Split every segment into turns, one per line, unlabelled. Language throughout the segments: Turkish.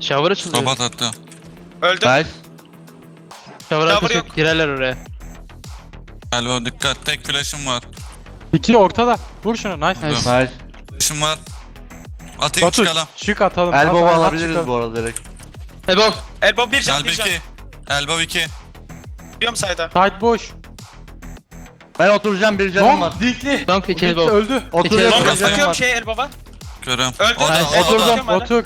Shower açılıyor.
Robot attı.
Öldüm.
Nice.
Shower arkası
yok.
yok. Girerler oraya.
Elbow dikkat. Tek flash'ım var.
İki ortada. Vur şunu. Nice.
Nice.
Nice.
Flash'ım var. Atayım
Batu
çıkalım.
şık atalım.
Elbow
At,
alabiliriz
çıkalım.
bu arada direkt.
Elbow.
Elbow bir can,
Elbow
bir can.
2. Elbow 2.
Biliyorum sayda.
Side boş.
Ben oturacağım, bir canım var.
Long dinkli.
Donk 2
Dinkli
elbow.
öldü.
Oturuyorum,
Elbow.
bir
Longa
canım
bakıyorum
var.
şeye elbow'a.
Görüyorum.
Öldü.
O da.
Nice.
O da.
Oturdum. Otur.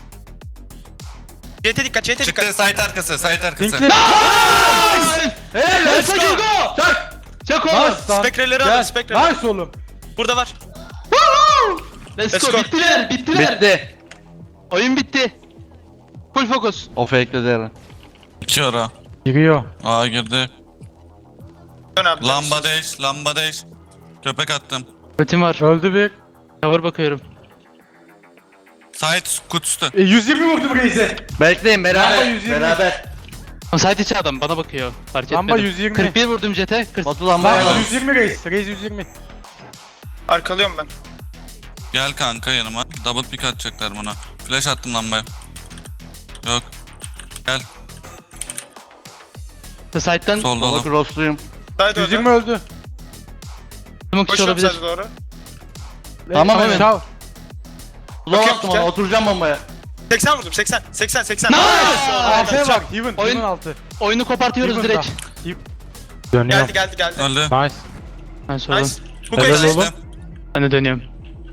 CT dikkat, CT
Çıktı
dikkat.
site arkası. Site arkası.
Dinkli.
Hey, let's go.
Çak oğlum.
Nice lan.
Spekreleri alın,
Gel.
spekreleri.
Nice oğlum.
Burada var.
Let's
Let's
go.
go.
Bittiler. Bittiler.
Bitti.
Oyun bitti. Full focus.
O fake'ledi Eren.
2 ara.
Giriyor.
Aa girdi.
Dön abi.
Lamba değiş. Lamba değiş. Köpek attım.
Ultim var.
Öldü bir.
Shower bakıyorum.
Site kutusu.
120 vurdum Reis'e.
Bekleyin
Lamba
beraber.
120.
Beraber.
Ama side içi adam bana bakıyor. Fark
Lamba
etmedim.
120.
41 vurdum jete. 40.
Batu lambaya
Lan
al.
120 Reis. Reis 120.
Arkalıyorum ben.
Gel kanka yanıma. Double pick atacaklar buna. Flash attım lambaya. Yok. Gel.
Side'den
Solda
Sola
oğlum.
crossluyum.
Sayda
120
öldü.
öldü.
smoke içi
Koşuyorum
olabilir.
sayda doğru.
Tamam,
Evet,
evet.
çav.
Kulağa
Bakıyorum,
bastım ona,
gel.
oturacağım bombaya.
80 vurdum, 80. 80, 80.
Arkaya bak. Heaven.
Oyun-
Heaven altı.
Oyunu kopartıyoruz
Heaven
direkt.
da. Dönüyor.
Geldi.
Öldü.
Nice.
Nice oğlum.
Nice. Bu
Helal
kayıt.
oğlum.
Ben de dönüyorum.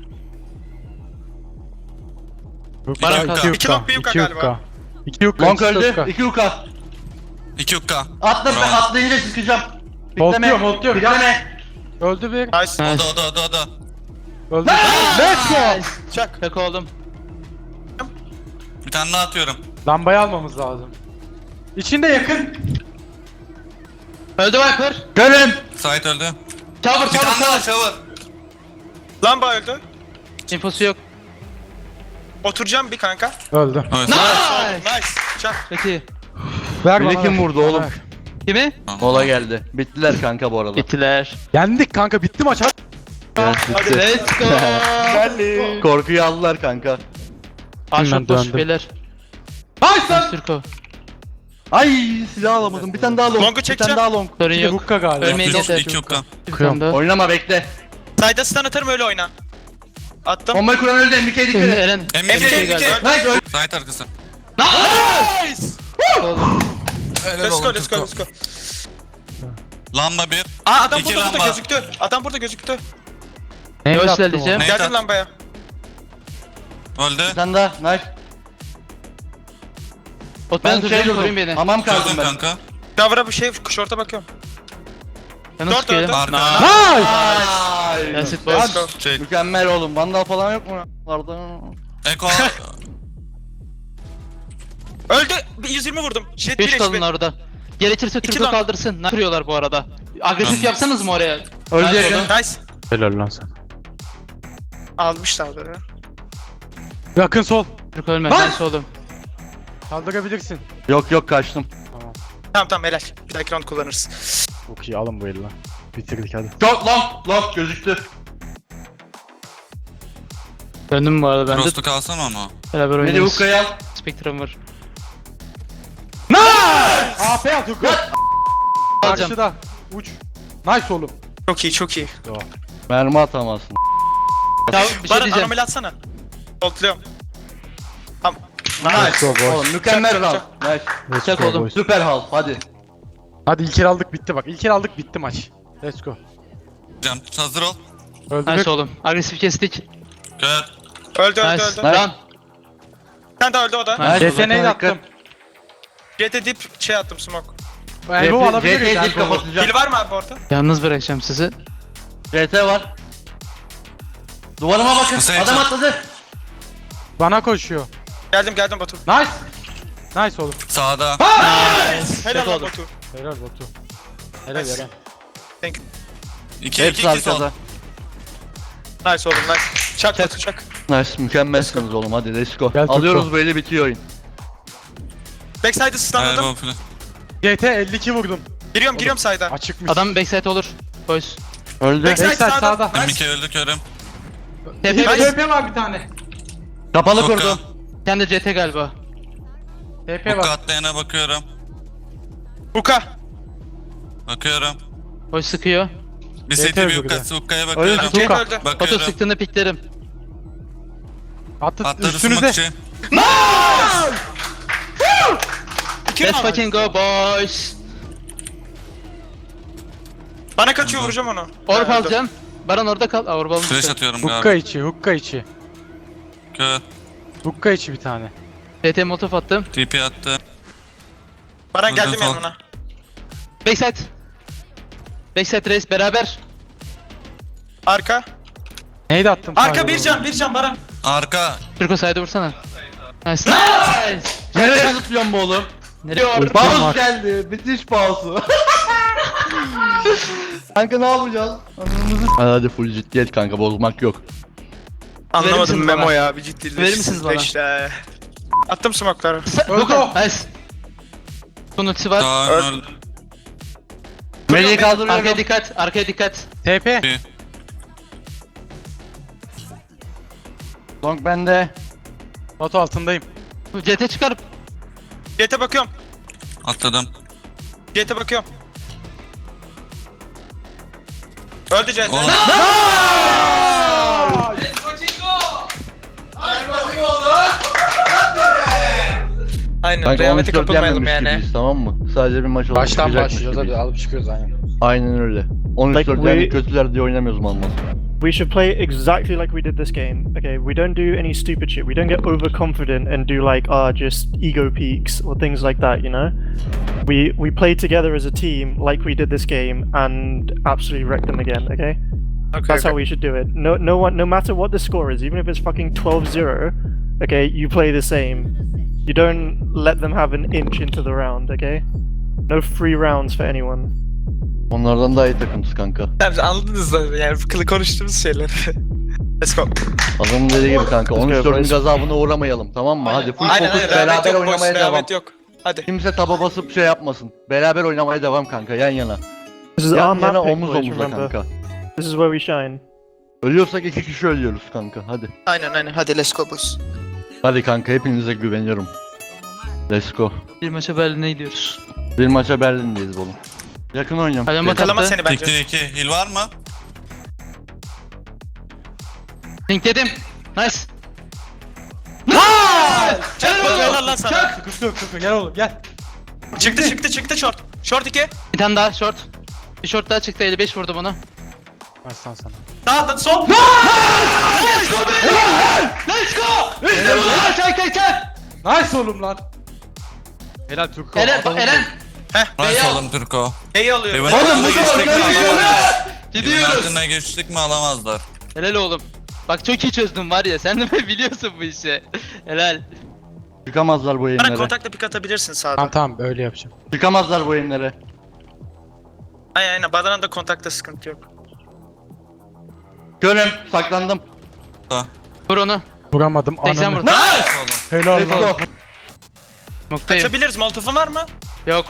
Bana
İki
kaldı.
yukka,
İki long, bir yukka
iki
galiba.
yukka. İki yukka.
Long
ikisi
öldü.
yukka.
2 yuka.
2 ukka.
Atla, ben
Bravo.
atlayınca çıkacağım.
Holtluyorum, holtluyorum.
Bitleme.
Öldü bir.
Nice.
O
Nice.
da o da o da.
Öldü. Let's go.
Çak.
Çak oğlum.
Bir tane daha atıyorum.
Lambayı almamız lazım. İçinde yakın.
Öldü Viper.
Gelin.
Site öldü.
Shower
Bir tane daha
shower.
shower.
Lamba öldü.
İnfosu yok.
Oturacağım bir kanka.
Öldü.
Evet.
Nice. Çak.
Peki.
Ver
Biri
bana,
kim
ver.
vurdu oğlum?
Ver.
Kimi?
Mola geldi. Bittiler kanka bu arada.
Gittiler.
Yendik kanka, bitti maç. Hadi.
Evet, bitti.
Let's go.
Korkuyu aldılar kanka.
Aşık boş
döndüm.
beyler.
Nice lan.
Türko.
Ay, silah alamadım. Bir tane daha long.
Long'u
Bir
çekeceğim.
tane daha long.
Sorun
Bir
yok.
hukka galiba.
Ölmeyin
İki-
yeter.
iki ukka.
Bir tane daha.
Oynama, bekle.
Sayda stun atarım öyle oyna. Attım.
Bombayı kuran öldü. MK'ye dikkat et.
Eren.
Emre
Emre,
Şey
Emre.
galiba.
Nice öldü.
Site arkası.
Nice.
Oğlum.
Let's go, let's go, let's go.
Lamba 1.
Aa adam
İki
burada
lamba.
gözüktü. Adam burada gözüktü.
Ne
Yavaş
yaptım
ilerleyeceğim.
Ne?
Geldim
Neyse.
lambaya.
Öldü.
Bir tane daha. Nice.
Ot
Ben
ben
şey
tutacağım
durdum.
koruyun beni.
Hamam kaldım
Çözdüm
ben.
kanka.
Davra bir şey, şorta bakıyorum.
Ben nasıl
Dört öldü.
sıkıyorum?
Arka.
Nice.
That's it
Let's
boys.
go.
Şey.
Mükemmel oğlum. Vandal falan yok mu? Vardı.
Eko.
Öldü. 120 vurdum. Jet
3
bir
kalın
HP.
orada. Gerekirse
İki
Türk'ü
lan.
kaldırsın. Ne kırıyorlar bu arada? Agresif
Tamam.
yapsanız mı oraya?
Öldü
Nice
yakın.
oğlum.
Nice.
Helal lan sen.
Almışlar da.
Yakın sol.
Türk ölme.
Lan!
Nice oğlum.
Kaldırabilirsin.
Yok kaçtım.
Tamam helal. Bir dahaki round kullanırız.
Çok iyi, alın bu eli lan. Bitirdik hadi.
Çok long gözüktü.
Döndüm bu arada ben de.
Frost'u kalsana ama.
Beraber
Beni
oynarız.
hukkaya al.
Spectrum var.
AP at hukka.
Alacağım.
Karşıda. Uç. Nice oğlum.
Çok iyi, çok iyi.
Mermi atamazsın.
Ya bir şey
Baran
diyeceğim.
anomali atsana. Voltluyorum. Tamam.
Let's go boys.
Oğlum mükemmel
Çak,
round.
çak.
Nice.
Let's
Çak
go
oğlum.
boys.
Süper hal. Hadi.
Hadi ilk el aldık, bitti bak. İlk el aldık, bitti maç. Let's go.
Can hazır ol.
Öldürdük.
Nice oğlum. Agresif kestik.
Gel.
Öldü,
Nice.
öldü.
Run.
Sen de öldü o da.
Nice.
Yeteneği de attım.
Jet'e dip şey attım smoke.
Elbow alabiliriz.
CT'yi dip
Elbow.
kapatacağım.
Kill var mı abi orada?
Yalnız bırakacağım sizi.
CT var. Duvarıma bakın.
Nasıl
Adam
yapacağım?
atladı.
Bana koşuyor.
Geldim Batu.
Nice. Nice oğlum.
Sağda.
Helal lan
oldu.
Batu.
Helal Batu. Helal
Nice.
Eren.
2
Hepsi
2 2 sol.
arkada.
Nice oğlum nice. Çak Batu çak.
Nice. Mükemmelsiniz oğlum. Hadi let's go.
Gel,
Alıyoruz
Turko.
bu eli, bitiyor oyun.
Backside'ı stunladım.
Elbow falan.
GT 52 vurdum.
Giriyorum side'a.
Açıkmış.
Adam backside olur. Boys.
Öldü.
Backside
Backside
sağda.
sağda.
M2 öldü körüm.
TP
Bir
base.
TP var bir tane.
Kapalı
Hukka.
kurdum.
Kendi CT galiba.
TP
Hukka
var.
atlayana bakıyorum.
Huka.
Bakıyorum.
Boş sıkıyor.
Bir
Yeter
CT bir
bu
Hukka'sı Hukka'ya
Öyle
bakıyorum.
Cenk
Huka.
öldü.
Foto
Bakıyorum.
sıktığında piklerim.
Attı
Atladı
üstünüze.
smoke içi.
İki
Let's
round.
fucking go boys.
Bana kaçıyor, vuracağım onu.
Orb
Ha, öldü.
alacağım. Baran orada kal. Aa, orb almıştı.
Flash atıyorum
Hukka
galiba.
içi, hukka içi.
Kör.
Hukka içi bir tane.
TT molotof attım.
TP attı.
Baran
Vurdum,
geldim
sol.
yanına.
Backside. Backside race beraber.
Arka.
Neydi attım?
Arka bir can Baran.
Arka.
Türko side'e vursana. Nice. Nice.
Nereye zıplıyorsun bu oğlum?
Nereye?
Paus geldi. Bitiş pausu. Kanka ne yapacağız? Hadi full ciddiyet kanka, bozmak yok.
Anlamadım
misiniz
Memo
bana?
ya, bir ciddilik.
Verir misiniz bana?
İşte. Attım smoke'ları.
Öldü o.
Nice. Bunun ultisi var.
Daha
Öl-
öldü.
Meleği kaldırıyorum.
Arkaya dikkat. Arkaya dikkat.
TP.
Bir.
Long bende.
Batu altındayım.
CT çıkarıp.
Jet'e bakıyorum.
Atladım.
Jet'e bakıyorum. Öldü Jet.
Oğlum.
Aynen.
Kanka
Rehavete
13-4
kapılmayalım
yenmemiş
yani.
gibiyiz, tamam mı? Sadece bir maç olarak
Baştan
çıkacakmış
başlıyoruz hadi
gibiyiz.
alıp çıkıyoruz aynen.
Aynen öyle. 13-4
Like
yani
we-
kötüler diye oynamıyoruz mal mal.
We should play exactly like we did this game. Okay, we don't do any stupid shit. We don't get overconfident and do like just ego peaks or things like that. You know, we play together as a team like we did this game and absolutely wreck them again. Okay, that's how we should do it. No matter what the score is, even if it's fucking 12-0, okay, you play the same. You don't let them have an inch into the round. Okay, no free rounds for anyone.
Onlardan daha iyi takımız kanka.
Tamam, anladınız da yani konuştuğumuz şeyler. Let's go.
Adamın dediği gibi kanka,
Let's go,
13-4'ün
boys.
gazabına uğramayalım, tamam mı? Hadi full
Aynen
fokus,
aynen. Rehavet
beraber
yok boş.
oynamaya devam.
Rehavet yok. Hadi.
Kimse taba basıp şey yapmasın. Beraber oynamaya devam kanka, yan yana.
This is our
Yan
map
yana,
pick,
omuz
boys,
omuza
remember.
kanka.
This is where we shine.
Ölüyorsak 2 kişi ölüyoruz kanka, hadi.
Aynen. Hadi let's go boys.
Hadi kanka, hepinize güveniyorum. Let's go.
Bir maça Berlin'e gidiyoruz.
Bir maça Berlin'deyiz oğlum. Yakın oynuyorum.
Hadi ama
Yakalama
attı.
seni bence.
Tiktir 2. Heal var mı?
Link dedim. Nice.
Çak bakıyorlar lan sana.
Sıkıntı yok sıkıntı gel oğlum gel.
Çıktı short. Short 2.
Bir tane daha short. Bir short daha çıktı 55 vurdum ona.
Baştan sana.
Sağ sol.
Let's go! Çak.
Nice oğlum lan. Helal Türko.
Eren,
adamın-
Eren.
Nice oğlum Turko.
Neyi alıyor?
Evin
Oğlum,
altına
bu
geçtik mi
kadar
alamazlar. Evin
Gidiyoruz.
altına geçtik mi alamazlar.
Helal oğlum. Bak çok iyi çözdüm var ya, sen de biliyorsun bu işi. Helal.
Çıkamazlar bu
Bana
yayınlara.
kontakla pik atabilirsin sağda.
Tamam öyle yapacağım.
Çıkamazlar bu yayınlara.
Aynen. Badanın da kontakta sıkıntı yok.
Görüm, saklandım.
Vur onu.
Vuramadım
80
ananı.
vurdum.
Nice oğlum.
Helal
Let's
lan.
go.
Noktayım.
Açabiliriz. Molotof'un var mı?
Yok.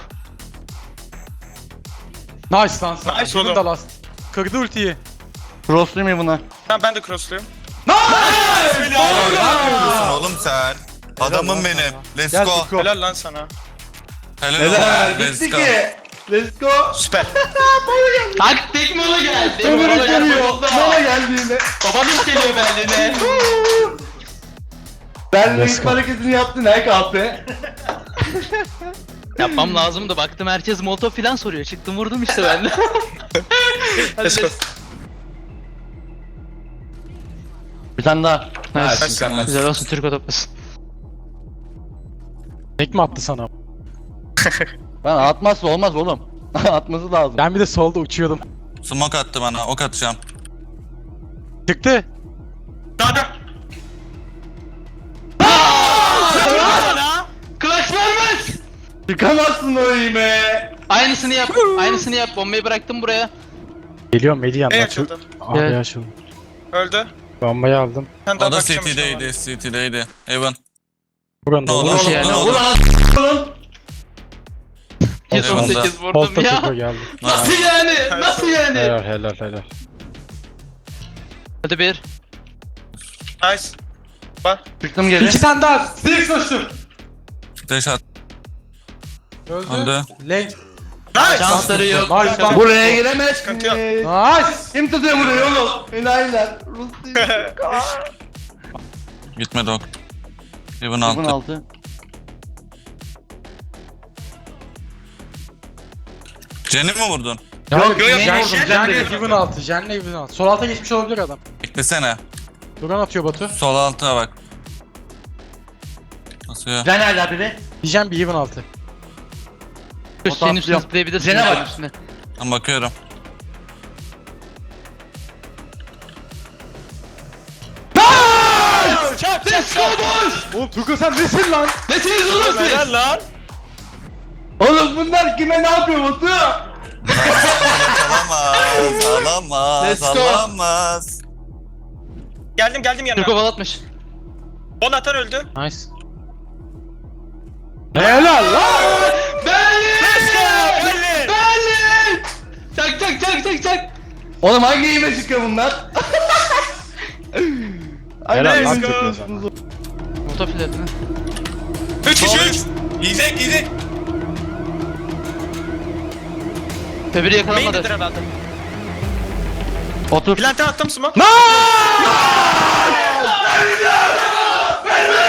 Nice lan sana.
Nice
Bunun
oğlum.
da last. Kırdı ultiyi.
Crosslayayım mı buna?
Tamam ben de crossluyum.
Ne yapıyorsun oğlum sen? Adamım benim. Let's
Gel
go.
Türko.
Helal lan sana.
Helal olsun. Let's go.
Let's go.
Süper.
Taktik mola geldi.
Ömür
Mola
geliyor.
geldi.
Mola geldiğinde.
Babanız geliyor Berlin'e.
Ben
Let's
ilk
go.
hareketini yaptın he kahpe.
Yapmam lazımdı. Baktım herkes molotov filan soruyor. Çıktım vurdum işte ben de. Hadi
Let's go.
Bir tane daha.
Nice. Güzel olsun, Türko toplasın.
Tek mi attı sana?
Ben atmazsa olmaz oğlum. Atması lazım.
Ben bir de solda uçuyordum.
Smoke attı bana. Ok atacağım.
Çıktı.
Sağda.
Clutch vermez.
Çıkamazsın o iyime.
Aynısını yap. Aynısını yap. Bombayı bıraktım buraya.
Geliyorum Melih yanına.
Ey açıldı.
Abi
Gel.
açıldı.
Öldü.
Bombayı aldım.
Sen daha
O da
bakacağım işte
CT'deydi. CT'deydi. Evan.
Buranın
Ne olur.
Nasıl yani?
Ne olur.
Oğlum.
118 vurdum
Polta
ya.
Türko geldi.
Nasıl yani? Nasıl yani?
Helal.
Hadi bir.
Nice. Bak.
Çıktım geri.
İki tane daha. Direkt koştum.
Flash at. Öldü.
Lane.
Nice.
Şansları yok.
Nice lan.
Buraya giremez.
Sıkıntı yok.
Nice.
Kim tutuyor burayı oğlum? Enayiler. Rus değil.
Gitmedi ok. Even
Bunun
altı.
altı.
Jen'i mi vurdun?
Yok
yok,
Jen
Jen
vurdum. Jen
de
de Heaven altı. Jen'le Heaven altı. Sol alta geçmiş olabilir adam.
Beklesene.
Duran atıyor Batu.
Sol alta bak. Nasıl ya?
Sen hala biri.
Diyeceğim bir Heaven altı.
Senin üstüne zıplayabilirsin.
Jene
senin
bak.
üstüne.
Ben bakıyorum.
Çak çak çak.
Oğlum Tuko sen nesin lan?
Nesiniz oğlum siz?
Helal lan.
Oğlum bunlar kime ne yapıyor Batu?
Alamaz. Alamaz.
Let's go.
Alamaz.
Geldim
Türk
yanına.
kovalatmış.
Bonatan öldü.
Nice. Helal lan.
Let's go. Belli.
Berlin! Çak çak çak çak çak.
Oğlum hangi yeme çıkıyor bunlar?
Helal lan
Let's go.
Tuko sana.
Moto filetini.
3 kişi 3.
Yiyecek yiyecek.
Öbürü yakalanmadı.
Main'dedir herhalde.
Otur.
Plante attım smoke.